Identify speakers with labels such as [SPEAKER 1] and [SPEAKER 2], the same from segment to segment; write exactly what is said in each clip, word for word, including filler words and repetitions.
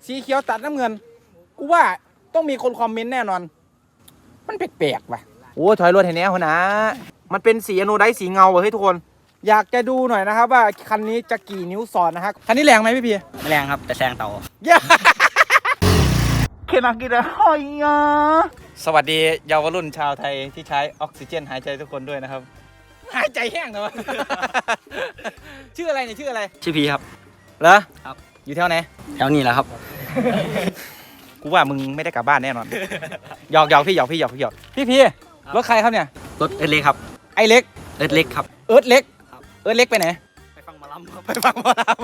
[SPEAKER 1] สีเขียวตัดน้ำเงินกูว่าต้องมีคนคอมเมนต์แน่นอนมันแปลกๆว่ะโอ้ถอยรถเห็นแน่หัวหน้ามันเป็นสีอโนไดซ์สีเงาเฮ้ยทุกคนอยากจะดูหน่อยนะครับว่าคันนี้จะกี่นิ้วสอดนะครับคันนี้แรงไหมพี่พี
[SPEAKER 2] ไม่แรงครับแต่แซงเต่า
[SPEAKER 1] เคนักกีฬาหอยอ่ะสวัสดีเยาวรุ่นชาวไทยที่ใช้ออกซิเจนหายใจทุกคนด้วยนะครับหายใจแห้งนะวะชื่ออะไรเนี่ยชื่ออะไร
[SPEAKER 2] ชื่อพีครับ
[SPEAKER 1] เหรอครับอยู่แถวไหน
[SPEAKER 2] แถวนี้แหละครับ
[SPEAKER 1] กูว่ามึงไม่ได้กลับบ้านแน่นอนหยอกหยอกพี่หยอกพี่หยอกพี่หยอกพี่พี่รถใครครับเนี่ย
[SPEAKER 2] รถเอิร์ธเล็กครับ
[SPEAKER 1] ไอเล็ก
[SPEAKER 2] เอิร์ธเล็กครับ
[SPEAKER 1] เอิร์ธเล็กเอิร์ธเล็กไปไหน
[SPEAKER 2] ไปฟังหมอลำครับ
[SPEAKER 1] ไปฟังหมอลำ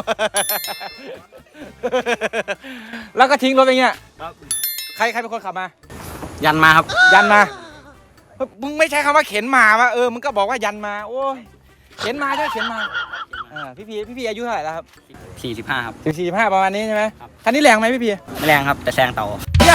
[SPEAKER 1] แล้วก็ทิ้งรถไปเงี้ยใครใครเป็นคนขับมา
[SPEAKER 2] ยันมาครับ
[SPEAKER 1] ยันมามึงไม่ใช้คำว่าเข็นมาวะเออมึงก็บอกว่ายันมาโอ้ยเข็นมาใช่เข็นมาอ่าพี่พีพี่พีอายุเท่าไหร่แล้วครับ
[SPEAKER 2] สี่สิบห้าครับ
[SPEAKER 1] สี่สิบห้าประมาณนี้ใช่ไหมคันนี้แรงไหมพี่พี
[SPEAKER 2] ไม่แรงครับแต่แซงเต่า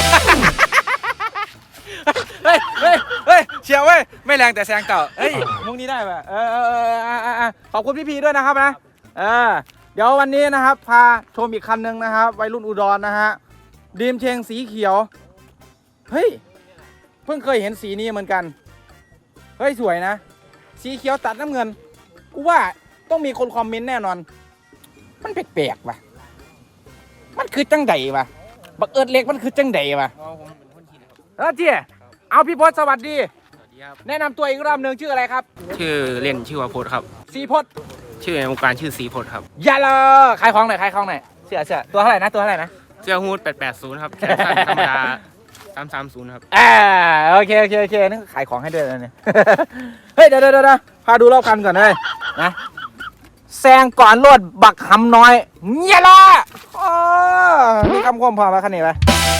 [SPEAKER 1] เฮ้ยเฮ้ยเฮ้ยเชียวเว้ยไม่แรงแต่แซงเต่าเฮ้ยมุกนี้ได้ป่ะเออเออเออขอบคุณพี่พีด้วยนะครับนะเออเดี๋ยววันนี้นะครับพาชมอีกคันหนึ่งนะครับวัยรุ่นอุดรนะฮะดีมเชงสีเขียวเฮ้ยเพิ่งเคยเห็นสีนี้เหมือนกันเฮ้ยสวยนะสีเขียวตัดน้ำเงินกูว่าต้องมีคนคอมเมนต์แน่นอนมันแปลกๆว่ะมันคือจังไดวะบักเอิร์ธเล็กมันคือจังไดวะเออเจี๊ยเอาพี่พศสวัสดีแนะนำตัวอีกรอบหนึ่งชื่ออะไรครับ
[SPEAKER 2] ชื่อเล่นชื่อว่าพจน์ครับ
[SPEAKER 1] สีพจน์
[SPEAKER 2] ชื่อในวงการชื่อสีพจน์ครับ
[SPEAKER 1] อย่าเลยขายของหน่อยขายของหน่อยเสื้อเสื้อตัวเท่าไหร่นะตัวเท่าไหร่นะ
[SPEAKER 2] เสื้อฮูดแปดแปดศูนย์ครับแขนสั้นธรรมดาสามสามศูนย์ครับ
[SPEAKER 1] อ่าโอเคโอเคโอเคนี่ขายของให้ด้วยนะเนี่ยเฮ้ยเดี๋ยวเดี๋ยวเดี๋ยวพาดูรอบคันก่อนเลยนะแซงก่อนรถบักหำน้อยเงี้ยละอ๋อมีคำคมพอมาคันนี้ไหม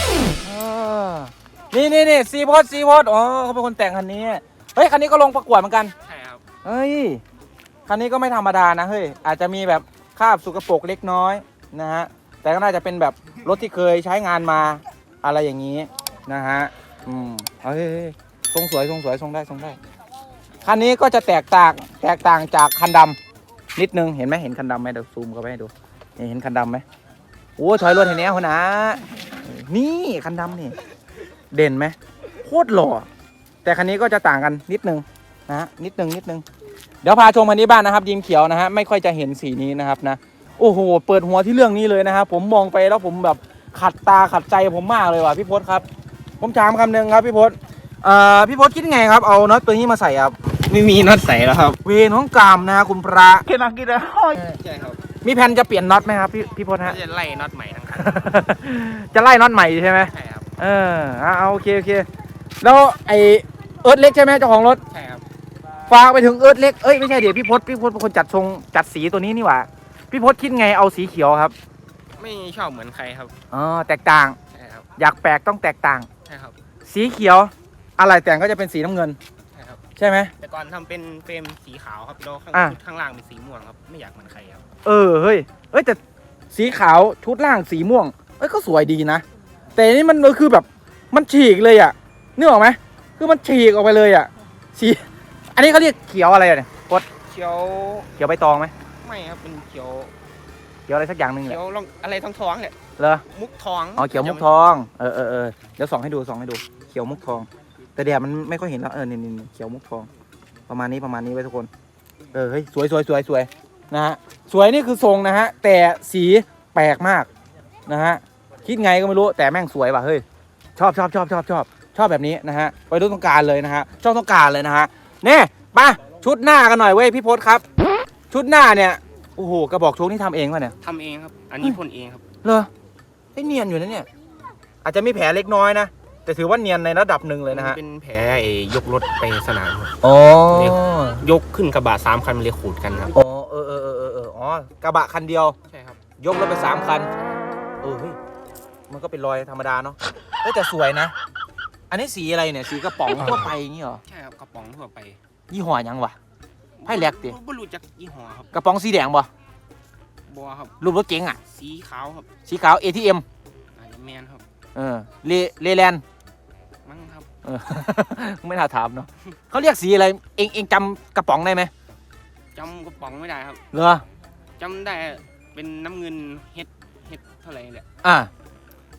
[SPEAKER 1] นี่นี่นี่ซีโพสซีโพสอ๋อเขาเป็นคนแต่งคันนี้เฮ้ยคันนี้ก็ลงประกวดเหมือนกัน
[SPEAKER 2] ใช่ครับ
[SPEAKER 1] เฮ้ยคันนี้ก็ไม่ธรรมดานะเฮ้ยอาจจะมีแบบคราบสุกปรกเล็กน้อยนะฮะแต่ก็น่าจะเป็นแบบรถที่เคยใช้งานมาอะไรอย่างนี้นะฮะอืมเฮ้ยทรงสวยทรงสวยทรงได้ทรงได้คันนี้ก็จะแตกต่างแตกต่างจากคันดำนิดนึงเห็นไหมเห็นคันดำไหมเดี๋ยวซูมเข้าไปให้ดูเห็นคันดำไหมโอ้ถอยรถเห็นแน่หัวหน้านี่คันดำนี่เด่นไหมโคตรหล่อแต่คันนี้ก็จะต่างกันนิดนึงนะฮะนิดนึงนิดนึงเดี๋ยวพาชมคันนี้บ้านนะครับดีมเขียวนะฮะไม่ค่อยจะเห็นสีนี้นะครับนะโอ้โหเปิดหัวที่เรื่องนี้เลยนะครับผมมองไปแล้วผมแบบขัดตาขัดใจผมมากเลยว่ะพี่พศครับผมถามคำหนึ่งครับพี่พศเอ่อพี่พศคิดไงครับเอาน็อตตัวนี้มาใส่ครับ
[SPEAKER 2] ไม่มีน็อตใส่แล้วครับ
[SPEAKER 1] เวรของกามนะฮะคุณพระเกนักกีฬา
[SPEAKER 2] ใช่ครับ
[SPEAKER 1] มีแผนจะเปลี่ยนน็อตไหมครับพี่พี่พศฮะ
[SPEAKER 2] จะไล่น็อตใหม่ทั้งคัน
[SPEAKER 1] จะไล่น็อตใหม่ใช่ไหม
[SPEAKER 2] ใช่ครับ
[SPEAKER 1] เออเอาโอเคโอเคแล้วไอเอิร์ธเล็กใช่ไหมเจ้าของรถ
[SPEAKER 2] ใช่ครับ
[SPEAKER 1] ฝากไปถึงเอิร์ธเล็กเอ้ยไม่ใช่เดี๋ยวพี่พศพี่พศเป็นคนจัดทรงจัดสีตัวนี้นี่หว่าพี่พศคิดไงเอาสีเขียวครับ
[SPEAKER 2] ไม่ชอบเหมือนใครครับ
[SPEAKER 1] อ๋อแตกต่าง
[SPEAKER 2] ใช่ครับ
[SPEAKER 1] อยากแปลกต้องแตกต่าง
[SPEAKER 2] ใช่ครับ
[SPEAKER 1] สีเขียวอะไรแต่งก็จะเป็นสีน้ำเงิน
[SPEAKER 2] ใช่ครับ
[SPEAKER 1] ใช่ไหม
[SPEAKER 2] แต่ก่อนทำเป็นเฟรมสีขาวครับแล้วข้างข้างล่างเป็นสีม่วงครับไม่อยากเหมือนใครครับ
[SPEAKER 1] เออเฮ้ยเอ้ยแต่สีขาวชุดล่างสีม่วงเอ้ยก็สวยดีนะแต่นี่มันคือแบบมันฉีกเลยอ่ะนึกออกไหมคือมันฉีกออกไปเลยอ่ะสีอันนี้เขาเรียกเขียวอะไรเนี่ยกด
[SPEAKER 2] เขียว
[SPEAKER 1] เขียวใบตองไหม
[SPEAKER 2] ไม่ครับเป็นเขียว
[SPEAKER 1] เขียวอะไรสักอย่างหนึ่งแหละ
[SPEAKER 2] เขียวอะไรท้องท้องเนี่ย
[SPEAKER 1] เหรอ
[SPEAKER 2] มุกทอง
[SPEAKER 1] อ๋อเขียวมุกทองเออเออเออเดี๋ยวส่องให้ดูส่องให้ดูเขียวมุกทองแต่แดดมันไม่ค่อยเห็นแล้วเออนี่นี่เขียวมุกทองประมาณนี้ประมาณนี้ไว้ทุกคนเออเฮ้ยสวยสวยสวยสวยนะฮะสวยนี่คือทรงนะฮะแต่สีแปลกมากนะฮะคิดไงก็ไม่รู้แต่แม่งสวยว่ะเฮ้ยชอบชอบชอบชอบชอบชอบแบบนี้นะฮะไปดูต้องการเลยนะฮะชอบต้องการเลยนะฮะเนี่ยมาชุดหน้ากันหน่อยเว้ยพี่พศครับชุดหน้าเนี่ยโอ้โหกระบอกโชคนี่ทำเองป่ะเนี่ย
[SPEAKER 2] ทำเองครับอันนี้พ่นเองครับ
[SPEAKER 1] เหรอไอ้เนียนอยู่นะเนี่ยอาจจะมีแผลเล็กน้อยนะแต่ถือว่าเนียนในระดับหนึ่งเลยนะฮะ
[SPEAKER 2] เป็นแผลยกรถไปสนามครับ
[SPEAKER 1] อ๋
[SPEAKER 2] อยกขึ้นกระบะสามคันมันเลยขูดกันครับ
[SPEAKER 1] อ๋อเออเออเออเออเอออ๋อกระบะคันเดียว
[SPEAKER 2] ใช่ครับ
[SPEAKER 1] ยกรถไปสามคันเออเฮ้ยมันก็เป็นรอยธรรมดาเนาะเฮ้ยแต่สวยนะอันนี้สีอะไรเนี่ยสีกระป๋องทั่วไปอย่างนี้เหรอ
[SPEAKER 2] ใช่ครับกระป๋องทั่วไป
[SPEAKER 1] ยี่ห้อยังวะไพ่แลกดิ
[SPEAKER 2] ไม่รู้จักยี่ห้อครับ
[SPEAKER 1] กระป๋องสีแดงบ่
[SPEAKER 2] บัวครับ
[SPEAKER 1] รูปรถเก๋งอ่ะ
[SPEAKER 2] สีขาวครับ
[SPEAKER 1] สีขาว เอ ที เอ็ม
[SPEAKER 2] อาจจะแมนครับ
[SPEAKER 1] เออเลเลแลน
[SPEAKER 2] มั้งครับ
[SPEAKER 1] เออไม่น่าถามเนาะเขาเรียกสีอะไรเองเองจำกระป๋องได้ไหม
[SPEAKER 2] จำกระป๋องไม่ได้ครับ
[SPEAKER 1] เหรอ
[SPEAKER 2] จำได้เป็นน้ำเงินเฮ็ดเฮ็ดเท่าไหร่แหละ
[SPEAKER 1] อ่า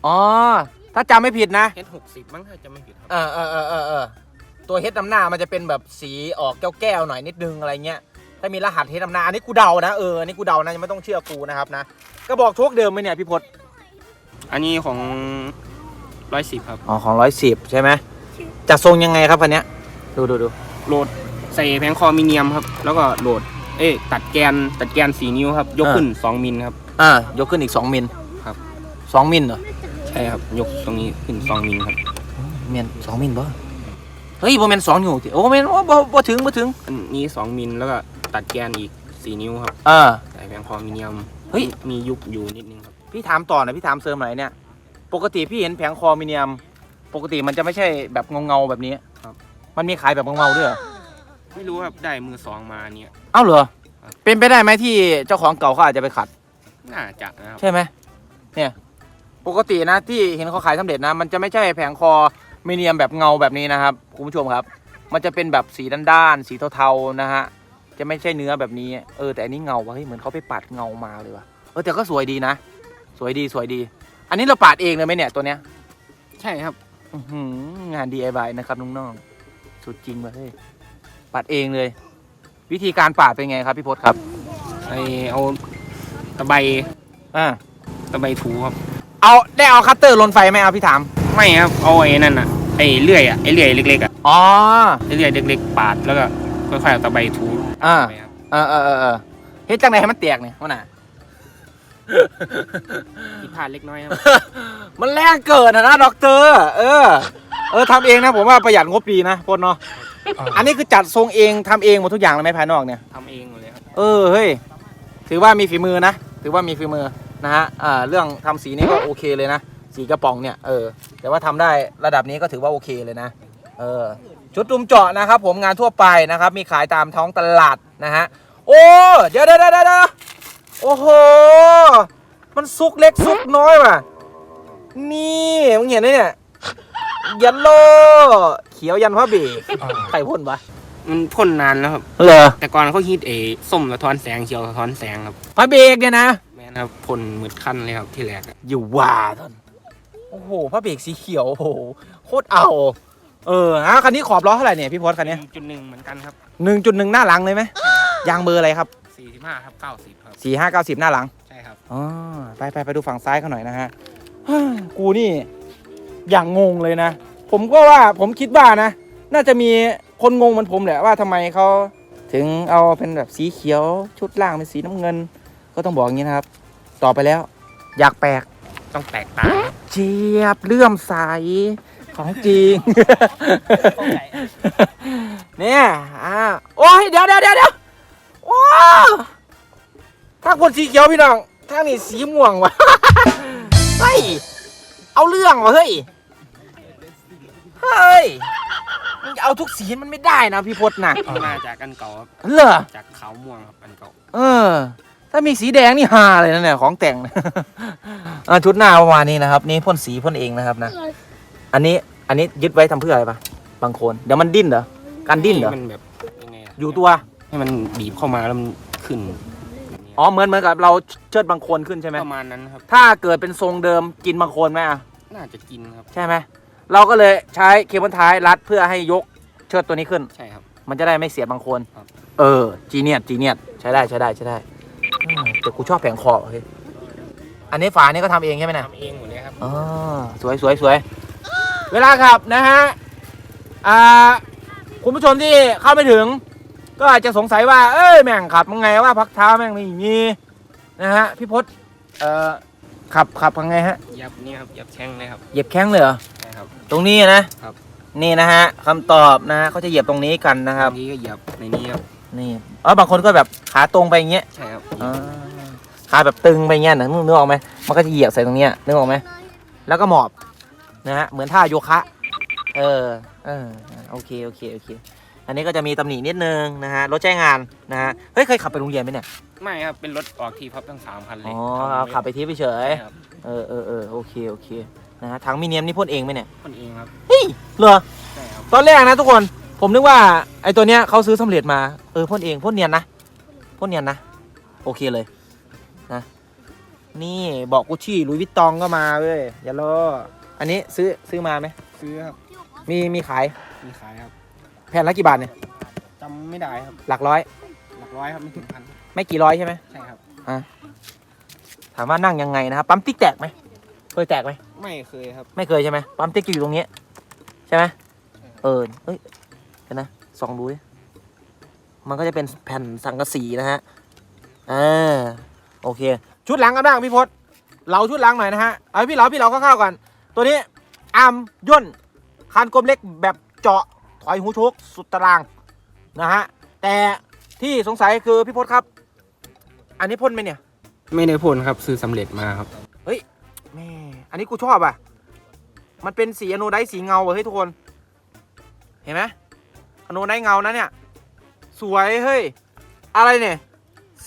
[SPEAKER 1] อ๋อถ้าจำไม่ผิดนะ
[SPEAKER 2] เฮดหกสิบมั้งถ้าจะไม่ผิดครับ
[SPEAKER 1] เออเออเออเออเออตัวเฮดนำหน้ามันจะเป็นแบบสีออกแก้วๆหน่อยนิดนึงอะไรเงี้ยถ้ามีรหัสเฮดนำหน้าอันนี้กูเดานะเอออันนี้กูเดานะยังไม่ต้องเชื่อกูนะครับนะก็บอกโชคเดิมไหมเนี่ยพี่พศ
[SPEAKER 2] อันนี้ของร้อยสิบครับ
[SPEAKER 1] อ๋อของร้อยสิบใช่ไหมจะทรงยังไงครับคันเนี้ยดูดูดู
[SPEAKER 2] โหลดใส่แผงคอมิเนียมครับแล้วก็โหลดเอ๊ะตัดแกนตัดแกนสี่นิ้วครับยกขึ้นสองมิลครับ
[SPEAKER 1] อ่ายกขึ้นอีกสองมิล
[SPEAKER 2] ครับ
[SPEAKER 1] สองมิลเหรอ
[SPEAKER 2] ใช่ครับยกตรงนี้ขึ้นสองมิลครับ
[SPEAKER 1] เมียนสองมิลบ่เฮ้ยโบเมนสองอยู่โอ้เมนโอ้บ่บ่ถึงบ่ถึง
[SPEAKER 2] อันนี้สองมิลแล้วก็ตัดแกนอีกสี่นิ้วครับ
[SPEAKER 1] อ่า
[SPEAKER 2] ใส่แผงคอมิเนียม
[SPEAKER 1] เฮ้ย
[SPEAKER 2] มียุบอยู่นิดนึงครับ
[SPEAKER 1] พี่ถามต่อหน่อยพี่ถามเสริมหน่อยเนี่ยปกติพี่เห็นแผงคอมิเนียม ปกติมันจะไม่ใช่แบบเงาเงาๆแบบนี้
[SPEAKER 2] ครับ
[SPEAKER 1] มันมีขายแบบเงาเงาๆด้วยเหรอ
[SPEAKER 2] ไม่รู้ครับได้มือสองมาเนี่ย
[SPEAKER 1] เอ้าเหรอ
[SPEAKER 2] ครับ
[SPEAKER 1] เป็นไปได้ไหมที่เจ้าของเก่าเขาอาจจะไปขัด
[SPEAKER 2] น่าจะนะครับ
[SPEAKER 1] ใช่ไหมเนี่ยปกตินะที่เห็นเขาขายสำเร็จนะ มันจะไม่ใช่แผงคอมิเนียมแบบเงาแบบนี้นะครับคุณผู้ชมครับ มันจะเป็นแบบสีด้านๆสีเทาๆนะฮะจะไม่ใช่เนื้อแบบนี้เออแต่อันนี้เงาว่ะเฮ้ยเหมือนเขาไปปัดเงามาเลยว่ะเออแต่ก็สวยดีนะ สวยดีสวยดี อันนี้เราปาดเองเลยไหมเนี่ยตัวเนี้ย
[SPEAKER 2] ใช่ครับ
[SPEAKER 1] อื้อหืองาน ดี ไอ วาย นะครับน้องๆสุดจริงเลยปาดเองเลย วิธีการปาดเป็นไงครับพี่พศครับ
[SPEAKER 2] ไอเอาตะไบ
[SPEAKER 1] อ่า
[SPEAKER 2] ตะไบถูครับ
[SPEAKER 1] เอาได้เอาคัตเตอร์ลนไฟไหมเอาพี่ถาม
[SPEAKER 2] ไม่ครับเอาไอ้นั่นอ่ะไอ้เลื่อยอ่ะไอ้เลื่อยเล็กๆอ่ะ
[SPEAKER 1] อ๋อ
[SPEAKER 2] ไอ้เลื่อยเล็กๆปาดแล้วก็ค่อยๆเอาตะไบถู
[SPEAKER 1] อ่า
[SPEAKER 2] ไปครับ
[SPEAKER 1] เออเออเออเออเฮ็ดจังไหนให้มันแตกเนี่ยว่าน่ะ
[SPEAKER 2] ผิดพลาดเล็กน้อยครับ
[SPEAKER 1] มันแรงเกินอะนะด็อกเตอร์เออ เออทำเองนะผมว่าประหยัดงบดีนะพลเนาะ อันนี้คือจัดทรงเองทำเองหมดทุกอย่างเลยไหมภายนอกเนี่ย
[SPEAKER 2] ทำเองหมดเลยครับ
[SPEAKER 1] เออเฮ้ยถือว่ามีฝีมือนะถือว่ามีฝีมือนะฮะอ่าเรื่องทำสีนี่ก็โอเคเลยนะสีกระป๋องเนี่ยเออแต่ว่าทำได้ระดับนี้ก็ถือว่าโอเคเลยนะเออชุดดุมเจาะนะครับผมงานทั่วไปนะครับมีขายตามท้องตลาดนะฮะโอ้เดี๋ยวเดี๋ยวเดี๋ยวเดี๋ยวโอ้โหมันซุกเล็กซุกน้อยว่ะนี่มึงเห็นไหมเนี่ยยันโลเขียวยันพระเบรกใครพ่นวะ
[SPEAKER 2] มันพ่นนานแล้วครับ
[SPEAKER 1] เหรอ
[SPEAKER 2] แต่ก่อนเขาฮิตเอส้มสะท้อนแสงเขียวสะท้อนแสงครับ
[SPEAKER 1] พระเบรกเนี่ยนะ
[SPEAKER 2] แม่นะครับพ่นมืดขั้นเลยครับที่แรกอะ
[SPEAKER 1] อยู่ว่าท่านโอ้โหพระเบรกสีเขียวโอ้โหโคตรเอาเออฮะคันนี้ขอบล้อเท่าไหร่เนี่ยพี่พศคันนี้
[SPEAKER 2] จุดหนึ่งเหมือนกันครับ
[SPEAKER 1] หนึ่งจุดหนึ่งหน้าหลังเลยไหมยางเบอร์อะไรครับ
[SPEAKER 2] สี่สิบห้าครับเก้าสิบครับ
[SPEAKER 1] สี่ห้าเก้าสิบหน้าหลัง
[SPEAKER 2] ใช่ครับ
[SPEAKER 1] อ๋อไปไปไปดูฝั่งซ้ายเขาหน่อยนะฮะฮ่ากูนี่อย่างงงเลยนะ ผมก็ว่าผมคิดว่านะ น่าจะมีคนงงเหมือนผมแหละว่าทำไมเขาถึงเอาเป็นแบบสีเขียวชุดล่างเป็นสีน้ำเงิน ก็ต้องบอกอย่างนี้นะครับ ต่อไปแล้ว อยากแปลก
[SPEAKER 2] ต้องแตกต่าง
[SPEAKER 1] เจี๊ยบเลื่อมใสของจริง เนี่ยอ่าโอ้ยเดี๋ยวเดี๋ยวเดี๋ยวเดี๋ยวว้าวถ้าคนสีเขียวพี่น้องถ้านี่สีม่วงวะ เฮ้ยเอาเรื่องวะเฮ้ยเฮ้ยมึงจะเอาทุกสีมันไม่ได้นะพี่พจน์นะ
[SPEAKER 2] มาจากอันเก่าครับ
[SPEAKER 1] เหรอ
[SPEAKER 2] จากขาวม่วงครับอันเก่า
[SPEAKER 1] เออ ถ้ามีสีแดงนี่ฮาเลยนะเนี่ยของแต่ง อ่ะชุดหน้าประมาณนี้นะครับ นี่พ่นสีพ่นเองนะครับนะ อันนี้อันนี้ยึดไว้ทำเพื่ออะไรปะบางคนเดี๋ยวมันดิ้นเหรอการดิ้นเหรอ
[SPEAKER 2] ให้มันแบบยังไงอะ
[SPEAKER 1] อยู่ตัว
[SPEAKER 2] ให้มันบีบเข้ามาแล้วมันขึ้น
[SPEAKER 1] อ๋อเหมือนเหมือนกับเราเชิดบางคนขึ้นใช่ไหม
[SPEAKER 2] ประมาณนั้นครับ
[SPEAKER 1] ถ้าเกิดเป็นทรงเดิมกินบางคนไหมอ่ะ
[SPEAKER 2] น่าจะกินครับ
[SPEAKER 1] ใช่ไหมเราก็เลยใช้เคเบิลท้ายรัดเพื่อให้ยกเชิดตัวนี้ขึ้น
[SPEAKER 2] ใช่ครับ
[SPEAKER 1] มันจะได้ไม่เสียบางคน
[SPEAKER 2] ครับ
[SPEAKER 1] เออจีเนียสจีเนียสใช้ได้ใช้ได้ใช้ได้อืมแต่กูชอบแผงคอเฮ้ยอันนี้ฝานี่ก็ทำเองใช่ไหมเนี่ย
[SPEAKER 2] ทำเองหมดเลยครับ
[SPEAKER 1] อ๋อสวยสวยสวยเวลาขับนะฮะอ่าคุณผู้ชมที่เข้าไม่ถึง ก็อาจจะสงสัยว่าเอ้ยแม่งขับยังไงว่าพักเท้าแม่งไม่มีนะฮะพี่พศเอ่อขับขับยังไงฮะ
[SPEAKER 2] ยับนี่ครับยับแช่งเลยครับ
[SPEAKER 1] เหยียบแข้งเลยเหรอ
[SPEAKER 2] ใช่ครับ
[SPEAKER 1] ตรงนี้นะครับ นี่นะฮะคำตอบนะฮะเขาจะเหยียบตรงนี้กันนะครับ
[SPEAKER 2] บางทีก็ยับในนี้ครับ
[SPEAKER 1] นี่อ๋อบางคนก็แบบขาตรงไปอย่างเงี้ย
[SPEAKER 2] ใช่ครับ
[SPEAKER 1] อ่าขาแบบตึงไปอย่างเงี้ยนะนึกออกไหมมันก็จะเหยียบใส่ตรงเนี้ยนึกออกไหมแล้วก็หมอบนะฮะเหมือนท่าโยคะเออเออโอเคโอเคโอเคอันนี้ก็จะมีตำหนินิดนึงนะฮะรถใช้งานนะฮะเฮ้ยเคยขับไปโรงเรียนไหมเนี่ย
[SPEAKER 2] ไม่ครับเป็นรถออกทีพับทั้งสามคันเลย
[SPEAKER 1] อ๋อ
[SPEAKER 2] ทำ
[SPEAKER 1] เอา
[SPEAKER 2] ไว้
[SPEAKER 1] ขับไปที่ไปเฉย
[SPEAKER 2] ใช่ครับ
[SPEAKER 1] เออเออเออโอเคโอเคนะฮะถังมีเนียมนี่พ่นเองไหมเนี่ย
[SPEAKER 2] คนเองครับ
[SPEAKER 1] เฮ้ยเหรอ
[SPEAKER 2] ใช่ครับ
[SPEAKER 1] ตอนแรกนะทุกคนผมนึกว่าไอ้ตัวเนี้ยเขาซื้อสำเร็จมาเออพ่นเองพ่นเนียนนะพ่นเนียนนะโอเคเลยนะนี่บอกกุชชี่ลุยวิตตองก็มาเว้ยอย่ารออันนี้ซื้อซื้อมาไหม
[SPEAKER 2] ซื้อครับ
[SPEAKER 1] มีมีขาย
[SPEAKER 2] มีขายครับ
[SPEAKER 1] แผ่นละกี่บาทเนี่ย
[SPEAKER 2] จำไม่ได้ครับ
[SPEAKER 1] หลักร้อย
[SPEAKER 2] หลักร้อยครับไม่ถึงพัน
[SPEAKER 1] ไม่กี่ร้อยใช่ไหม
[SPEAKER 2] ใช่ครับ
[SPEAKER 1] อ่ะถามว่านั่งยังไงนะครับปั๊มติ๊กแตกไหมเคยแตกไหม
[SPEAKER 2] ไม่เคยครับ
[SPEAKER 1] ไม่เคยใช่ไหมปั๊มติ๊กอยู่ตรงนี้ใช่ไหมเออเอ้ยเดี๋ยวนะส่องดูดิมันก็จะเป็นแผ่นสังกะสีนะฮะอ่าโอเค ชุดหลังกันบ้างพี่พศเราชุดหลังหน่อยนะฮะเอาพี่เราพี่เราเข้าวๆก่อนตัวนี้อาร์มย่นคานกลมเล็กแบบเจาะถอยหูชกสุดตารางนะฮะแต่ที่สงสัยคือพี่พศครับ อันนี้พ่นไหมเนี่ย
[SPEAKER 2] ไม่ได้พ่นครับซื้อสำเร็จมาครับ
[SPEAKER 1] เฮ้ยแม่อันนี้กูชอบอ่ะมันเป็นสีอโนไดซ์สีเงาเฮ้ยทุกคนเห็นไหมอโนไดซ์เงานะเนี่ยสวยเฮ้ยอะไรเนี่ย C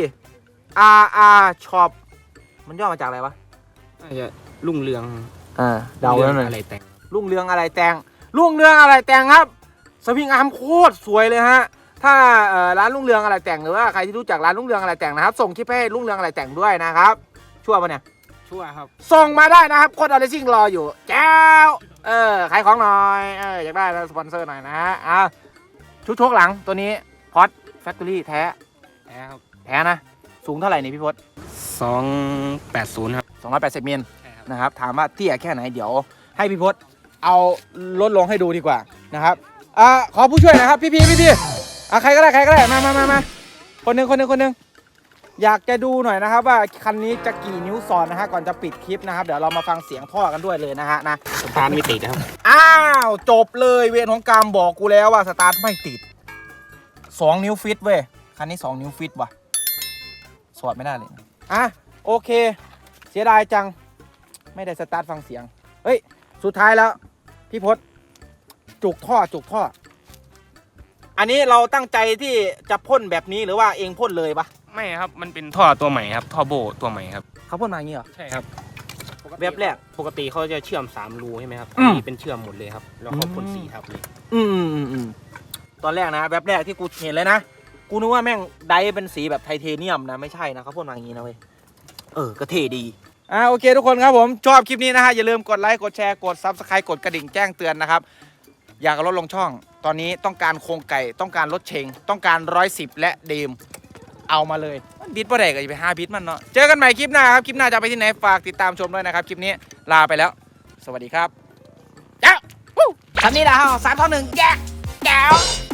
[SPEAKER 1] R R Shop มันย่อมาจากอะไรวะ
[SPEAKER 2] น่าจะรุ่งเรือง
[SPEAKER 1] อ่าเดาแล้วหน่อย
[SPEAKER 2] อะไรแต่ง
[SPEAKER 1] รุ่งเรืองอะไรแต่งรุ่งเรืองอะไรแต่งครับสวิงอาร์มโคตรสวยเลยฮะถ้าเอ่อร้านรุ่งเรืองอะไรแต่งหรือว่าใครที่รู้จักร้านรุ่งเรืองอะไรแต่งนะครับส่งคลิปให้รุ่งเรืองอะไรแต่งด้วยนะครับชั่วปะเนี่ย
[SPEAKER 2] ชั่วครับ
[SPEAKER 1] ส่งมาได้นะครับโค้ดอะไรซิ่งรออยู่แจ้วเออขายของหน่อยเอออยากได้สปอนเซอร์หน่อยนะฮะอ่าชุดโชคหลังตัวนี้พอดแฟคทอรี่แท้
[SPEAKER 2] แพ้ครับ
[SPEAKER 1] แท้นะสูงเท่าไหร่นี่พี่พศ
[SPEAKER 2] สองแปดศูนย์ครับ
[SPEAKER 1] สองร้อยแปดสิบมิล
[SPEAKER 2] ใช่ครับ
[SPEAKER 1] นะครับถามว่าเตี้ยแค่ไหนเดี๋ยวให้พี่พศเอาลดลงให้ดูดีกว่านะครับอ่าขอผู้ช่วยหนะครับพี่พี่พี่พี่อ่ะใครก็ได้ใครก็ได้มามามามาคนหนึ่งคนหนึ่งคนหนึ่งอยากจะดูหน่อยนะครับว่าคันนี้จะกี่นิ้วซ้อนนะฮะก่อนจะปิดคลิปนะครับเดี๋ยวเรามาฟังเสียงท่อกันด้วยเลยนะฮะนะ
[SPEAKER 2] สตาร์ทไม่ติดนะครับ
[SPEAKER 1] อ้าวจบเลยเวรของกรรมบอกกูแล้วว่าสตาร์ทไม่ติดสองนิ้วฟิตเว้ยคันนี้สองนิ้วฟิตว่ะสวดไม่ได้เลยอ่ะโอเคเสียดายจังไม่ได้สตาร์ทฟังเสียงเฮ้ยสุดท้ายแล้วพี่พศจุกท่อจุกท่ออันนี้เราตั้งใจที่จะพ่นแบบนี้หรือว่าเองพ่นเลยปะ
[SPEAKER 2] ไม่ครับมันเป็นท่อตัวใหม่ครับท่อโบตัวใหม่ครับ
[SPEAKER 1] เขาพ่นมาอย่างนี้เหรอ
[SPEAKER 2] ใช่ครับ
[SPEAKER 1] แบบแรก
[SPEAKER 2] ปกติเขาจะเชื่อมสามรูใช่ไหมครับ
[SPEAKER 1] อื
[SPEAKER 2] อัน
[SPEAKER 1] ม
[SPEAKER 2] นี้เป็นเชื่อมหมดเลยครับแล้วเขาพ่น
[SPEAKER 1] อืม
[SPEAKER 2] สีทับเลย
[SPEAKER 1] อืมอืมอืมอืมตอนแรกนะแบบแรกที่กูเห็นเลยนะกูนึกว่าแม่งไดร์เป็นสีแบบไทเทเนียมนะไม่ใช่นะเขาพ่นมาอย่างนี้นะเว้ยเออก็เท่ดีอ่าโอเคทุกคนครับผมชอบคลิปนี้นะฮะอย่าลืมกดไลค์กดแชร์กด ซับสไครบ์ กดกระดิ่งแจ้งเตือนนะครับอยากลดลงช่อง ตอนนี้ต้องการโครงไก่ต้องการรถเชงต้องการร้อยสิบและเดมเอามาเลยบิดประเด็กก็จะไปห้าบิดมันเนาะเจอกันใหม่คลิปหน้าครับคลิปหน้าจะไปที่ไหนฝากติดตามชมด้วยนะครับคลิปนี้ลาไปแล้ว สวัสดีครับเจ้าวู้คันนี้นะฮะสามต่อหนึ่งแก้วแก้ว